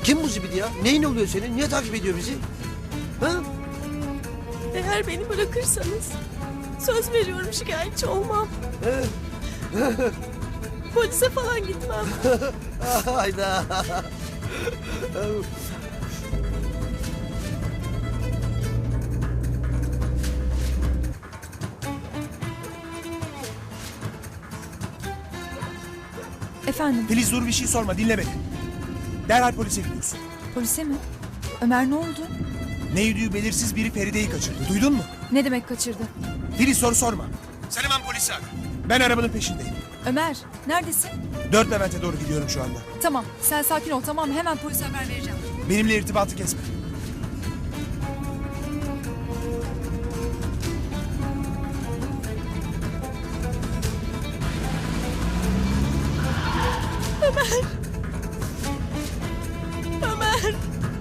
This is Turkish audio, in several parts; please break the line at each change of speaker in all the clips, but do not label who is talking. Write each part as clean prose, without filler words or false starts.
Kim bu zibidi ya? Neyin oluyor senin? Niye takip ediyor bizi? Ha?
Eğer beni bırakırsanız söz veriyorum şikayetçi olmam. Polise falan gitmem.
Hayda.
Efendim,
Filiz dur bir şey sorma dinle beni. Derhal polise gidiyorsun.
polise mi? Ömer ne oldu?
Ne yediği belirsiz biri Feride'yi kaçırdı. Duydun mu?
Ne demek kaçırdı?
Filiz soru sorma. Sen hemen polisi ara. Ben arabanın peşindeyim.
Ömer, neredesin?
4 Levent'e doğru gidiyorum şu anda.
Tamam, sen sakin ol tamam mı? Hemen polise haber vereceğim.
Benimle irtibatı kesme.
Ömer.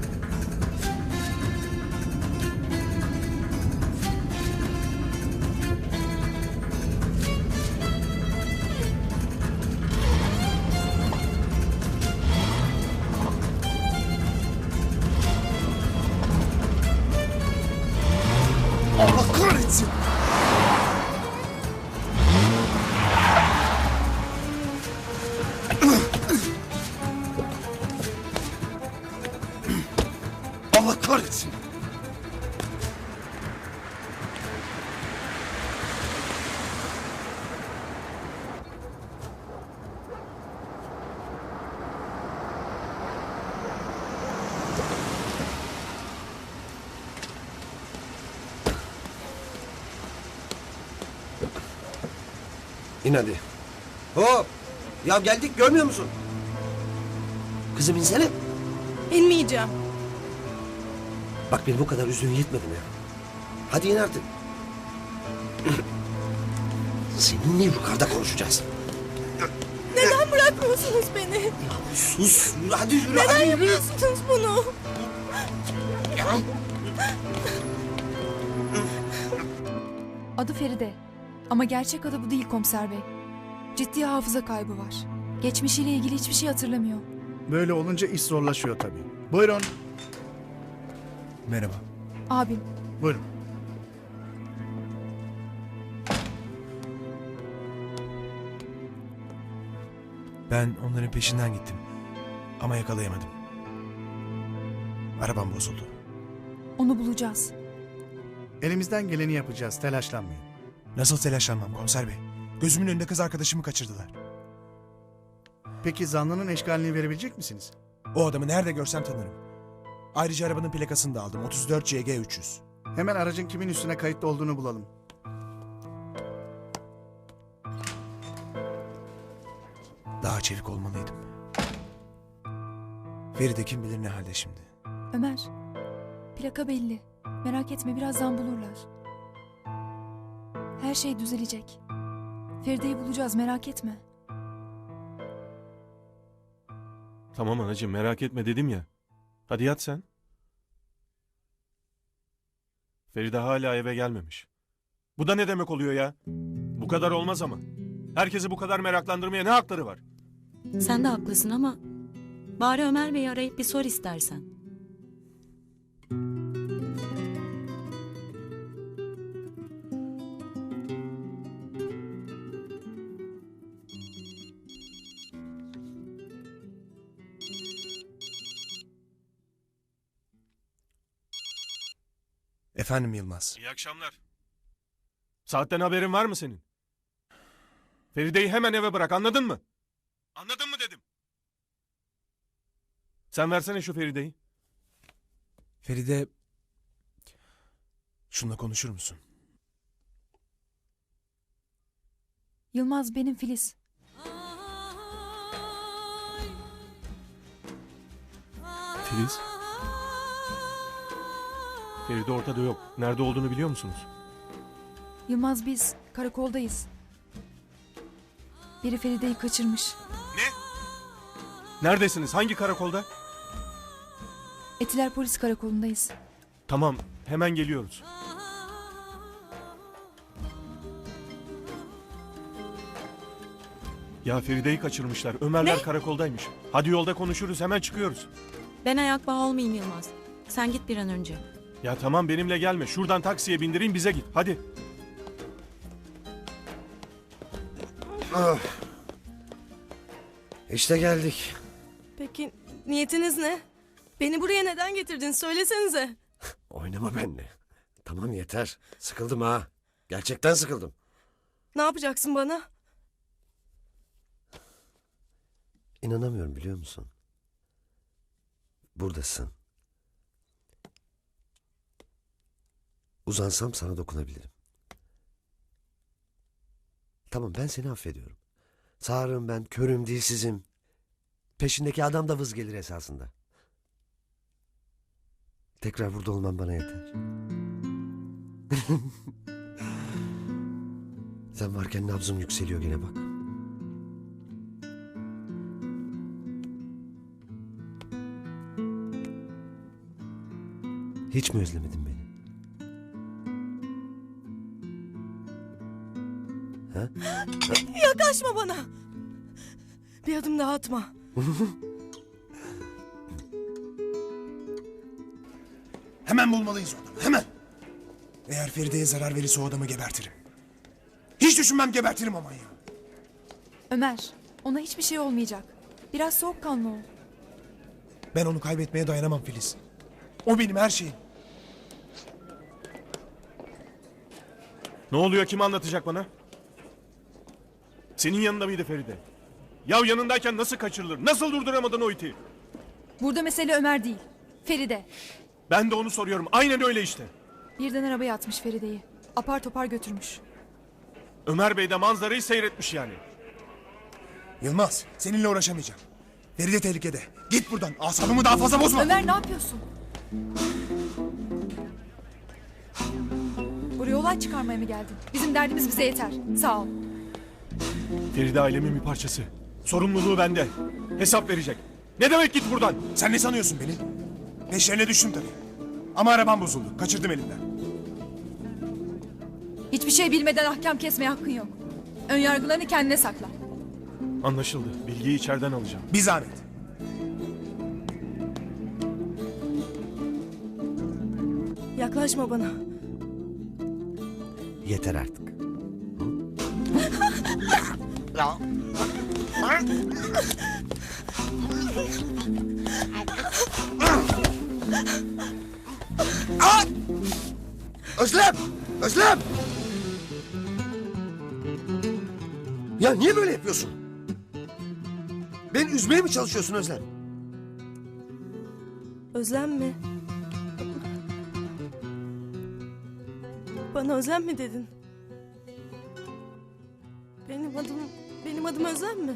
Allah kahretsin.
Allah kahretsin. İn hadi. Hop. Ya geldik görmüyor musun? Kızım insene.
İnmeyeceğim.
Bak beni bu kadar üzdüğün yetmedi mi ya? Hadi in artık. Seninle yukarıda konuşacağız.
Neden bırakmıyorsunuz beni?
Sus. Yürü, hadi yürü.
Neden
hadi yürü.
yapıyorsunuz bunu?
Adı Feride. Ama gerçek adı bu değil komiser bey. Ciddi hafıza kaybı var. Geçmişiyle ilgili hiçbir şey hatırlamıyor.
Böyle olunca iş zorlaşıyor tabii. Buyurun.
Merhaba.
Abim,
Buyurun.
Ben onların peşinden gittim. Ama yakalayamadım. Arabam bozuldu.
onu bulacağız.
Elimizden geleni yapacağız. Telaşlanmayın.
Nasıl telaşlanmam komiser bey? Gözümün önünde kız arkadaşımı kaçırdılar.
Peki zanlının eşkalini verebilecek misiniz?
O adamı nerede görsem tanırım. Ayrıca arabanın plakasını da aldım. 34 CG 300.
Hemen aracın kimin üstüne kayıtlı olduğunu bulalım.
Daha çevik olmalıydım. Feride kim bilir ne halde şimdi.
Ömer, plaka belli. Merak etme birazdan bulurlar. Her şey düzelecek. Feride'yi bulacağız merak etme.
Tamam anacığım merak etme dedim ya. Hadi yat sen. Feride hala eve gelmemiş. Bu da ne demek oluyor ya? Bu kadar olmaz ama. Herkesi bu kadar meraklandırmaya ne hakları var?
Sen de haklısın ama bari Ömer Bey'i arayıp bir sor istersen.
Efendim Yılmaz.
İyi akşamlar. Saatten haberin var mı senin? Feride'yi hemen eve bırak anladın mı? Anladın mı dedim. Sen versene şu Feride'yi.
Feride... Şununla konuşur musun?
Yılmaz benim Filiz.
Filiz. Feride ortada yok. Nerede olduğunu biliyor musunuz?
Yılmaz biz karakoldayız. Biri Feride'yi kaçırmış.
Ne? Neredesiniz? Hangi karakolda?
Etiler Polis Karakolu'ndayız.
Tamam, hemen geliyoruz. Ya Feride'yi kaçırmışlar. Ömerler
Ne?
karakoldaymış. Hadi yolda konuşuruz, hemen çıkıyoruz.
Ben ayak bağı olmayayım Yılmaz. Sen git bir an önce.
Ya tamam benimle gelme. Şuradan taksiye bindireyim bize git. Hadi.
İşte geldik.
Peki niyetiniz ne? Beni buraya neden getirdin? Söylesenize.
Oynama benimle. Tamam yeter. Sıkıldım ha. Gerçekten sıkıldım.
Ne yapacaksın bana?
İnanamıyorum biliyor musun? Buradasın. Uzansam sana dokunabilirim. Tamam ben seni affediyorum. Sağırım ben, körüm, dilsizim. Peşindeki adam da vız gelir esasında. Tekrar burada olman bana yeter. Sen varken nabzım yükseliyor gene bak. Hiç mi özlemedin beni? Ha?
Yaklaşma bana. Bir adım daha atma.
Hemen bulmalıyız o adamı, hemen. Eğer Feride'ye zarar verirse o adamı gebertirim. Hiç düşünmem, gebertirim aman ya.
Ömer, ona hiçbir şey olmayacak. Biraz soğukkanlı ol.
Ben onu kaybetmeye dayanamam Filiz. O benim her şeyim.
Ne oluyor? Kim anlatacak bana? Senin yanında mıydı Feride? Ya yanındayken nasıl kaçırılır? Nasıl durduramadın o iti?
Burada mesele Ömer değil, Feride.
Ben de onu soruyorum. Aynen öyle işte.
Birden arabaya atmış Feride'yi. Apar topar götürmüş.
Ömer Bey de manzarayı seyretmiş yani.
Yılmaz, seninle uğraşamayacağım. Feride tehlikede. Git buradan, asabımı daha fazla bozma.
Ömer ne yapıyorsun? Buraya olay çıkarmaya mı geldin? Bizim derdimiz bize yeter. Sağ ol.
Feride ailemin bir parçası. Sorumluluğu bende. Hesap verecek. Ne demek git buradan?
Sen ne sanıyorsun beni? Peşlerine düştüm tabii. Ama arabam bozuldu, kaçırdım elimden.
Hiçbir şey bilmeden ahkam kesmeye hakkın yok. Ön yargılarını kendine sakla.
Anlaşıldı. Bilgiyi içeriden alacağım.
Bir zahmet.
Yaklaşma bana.
Yeter artık. Özlem! Özlem! Ya niye böyle yapıyorsun? Beni üzmeye mi çalışıyorsun Özlem?
Özlem mi? Bana Özlem mi dedin? Benim adım Özlem mi?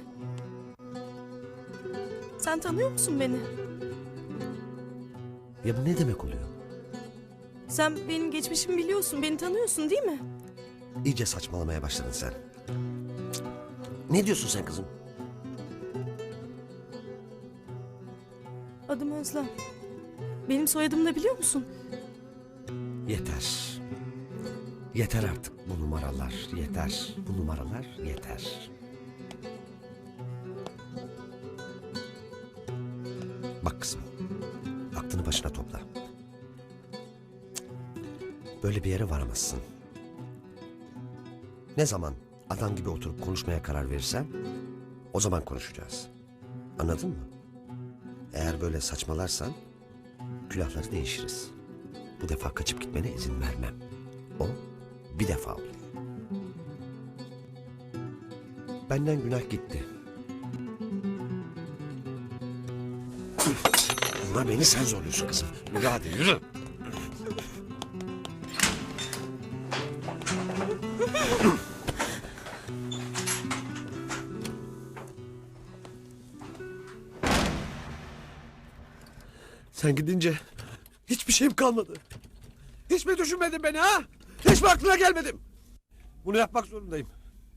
Sen tanıyor musun beni?
Ya bu ne demek oluyor?
Sen benim geçmişimi biliyorsun, beni tanıyorsun değil mi?
İyice saçmalamaya başladın sen. Ne diyorsun sen kızım?
Adım Özlem. Benim soyadımı da biliyor musun?
Yeter. Yeter artık bu numaralar. Yeter. Bu numaralar yeter. Bak kızım. Aklını başına topla. Böyle bir yere varamazsın. Ne zaman adam gibi oturup konuşmaya karar verirsen o zaman konuşacağız. Anladın mı? Eğer böyle saçmalarsan külahları değişiriz. Bu defa kaçıp gitmene izin vermem. O bir defa olur. Benden günah gitti. Ama beni sen zorluyorsun kızım. Yürü hadi yürü. Sen gidince hiçbir şeyim kalmadı. Hiç mi düşünmedin beni ha? Hiç mi aklına gelmedim? Bunu yapmak zorundayım.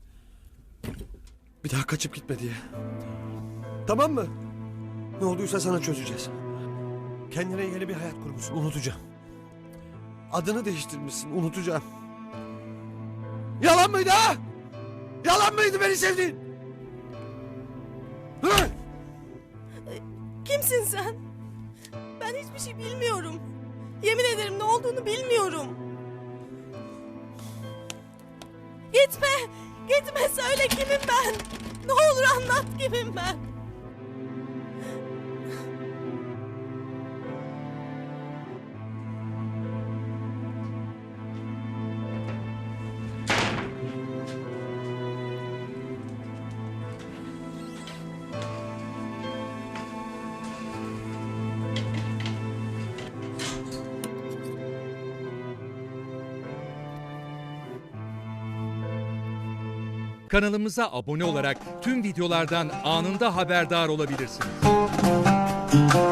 Bir daha kaçıp gitme diye. Tamam mı? Ne olduysa sana çözeceğiz. Kendine yeni bir hayat kurmuşsun, unutacağım. Adını değiştirmişsin, unutacağım. Yalan mıydı ha? Yalan mıydı beni sevdiğin? Hı?
Kimsin sen? Ben hiçbir şey bilmiyorum. Yemin ederim ne olduğunu bilmiyorum. Gitme! Gitme söyle kimim ben? Ne olur anlat kimim ben?
Kanalımıza abone olarak tüm videolardan anında haberdar olabilirsiniz.